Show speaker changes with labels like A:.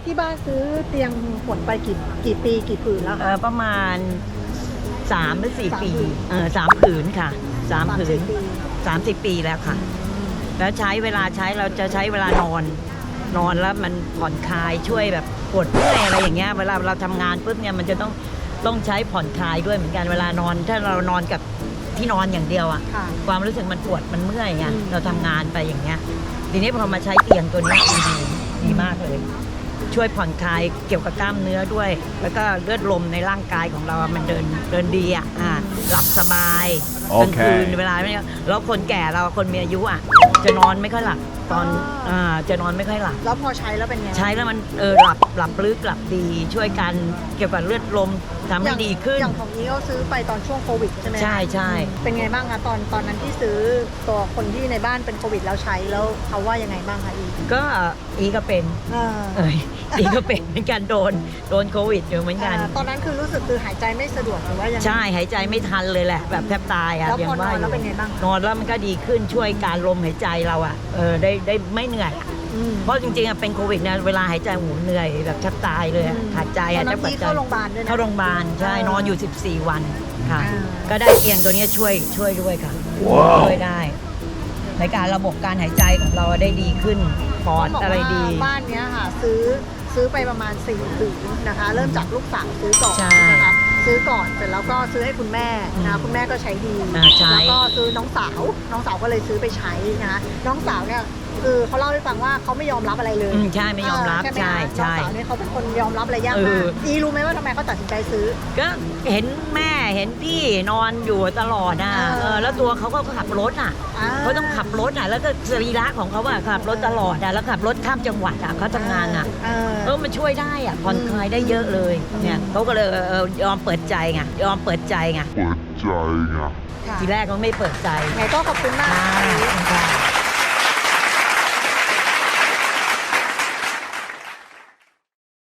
A: ที่บ้านซื้อเตียงหมดไปกี่ปีกี่ผืนแล้วคะ
B: ประมาณ3 หรือ 4 ปี3 ผืนค่ะ3 ผืน30 ปีแล้วค่ะแล้วใช้เวลาใช้เราจะใช้เวลานอนแล้วมันผ่อนคลายช่วยแบบปวดเมื่อยอะไรอย่างเงี้ยเวลาเราทำงานปุ๊บเนี่ยมันจะต้องใช้ผ่อนคลายด้วยเหมือนกันเวลานอนถ้าเรานอนกับที่นอนอย่างเดียวอ่ะความรู้สึกมันปวดมันเมื่อยไงเราทำงานไปอย่างเงี้ยทีนี้พอมาใช้เตียงตัวนี้ดีมากเลยช่วยผ่อนคลายเกี่ยวกับกล้ามเนื้อด้วยแล้วก็เลือดลมในร่างกายของเรามันเดินดีอ่ะหลับสบายกลางคืนเวลาไม่แล้วคนแก่เราคนมีอายุอ่ะจะนอนไม่ค่อยหลับตอนจะนอนไม่ค่อยหลับ
A: แล้วพอใช้แล้วเป็นไง
B: ใช้แล้วมันหลับลึกหลับดีช่วยกันเกี่ยวกับเลือดลมทำให้ดีขึ้น
A: อย่างของนี้ก็ซื้อไปตอนช่วงโควิดใช่ไหม
B: ใช่
A: เป็นไงบ้างคะตอนนั้นที่ซื้อตัวคนที่ในบ้านเป็นโควิดแล้วใช้แล้วเขาว่ายังไงบ้างคะ
B: อีก็เป็นอีก็เป็นเหมือนกันโดนโควิดอยู่เหมือนกัน
A: ตอนนั้นคือรู้สึกคือหายใจไม่สะดวกหรือว่ายังไง
B: ใช่หายใจไม่ทันเลยแหละแบบแทบตายอ่ะ
A: แล้วพอนอนแล้วเป็นไงบ้าง
B: นอนแล้วมันก็ดีขึ้นช่วยการลมหายใจเราอ่ะได้ไม่เหนื่อยเพราะจริงๆเป็นโควิดนะเวลาหายใจหูเหนื่อยแบบแทบตายเลยขาดใจ
A: ตอนนั้นที่เข้าโรงพยาบาลด้วยนะ
B: เข้าโรงพยาบาลใช่นอนอยู่14 วันค่ะก็ได้เตียงตัวนี้ช่วยด้วยค่ะช่วยได้ในการระบบการหายใจของเราได้ดีขึ้นปอดอะไรดี
A: บ้านนี้ค่ะซื้อไปประมาณ4 ผืนนะคะเริ่มจากลูกสาวซื้อก่อนนะคะซื้อก่อนเสร็จแล้วก็ซื้อให้คุณแม่นะคุณแม่ก็ใช้ดีแล้วก็ซื้อน้องสาวก็เลยซื้อซื้อไปใช้นะคะน้องสาวเนี่ยคือเขาเล่าให้ฟังว่าเขาไม่ยอมรับอะไรเลย
B: ใช่ไม่ยอมรับใช่
A: น้องสาวเนี่ยเขาเป็นคนยอมรับอะไรยากมากรู้ไหมว่าทำไมเขาตัดสินใจซื้อ
B: ก็เห็นแม่เห็นพี่นอนอยู่ตลอดนะแล้วตัวเขาก็ขับรถเขาต้องขับรถแล้วก็สรีระของเขาขับรถตลอดแล้วขับรถข้ามจังหวัดเขาทำงานมันช่วยได้ผ่อนคลายได้เยอะเลยเนี่ยเขาก็เลยยอมเปิดใจไงทีแรกเขาไม่เปิดใจ
A: ไงก็ขอบคุณมาก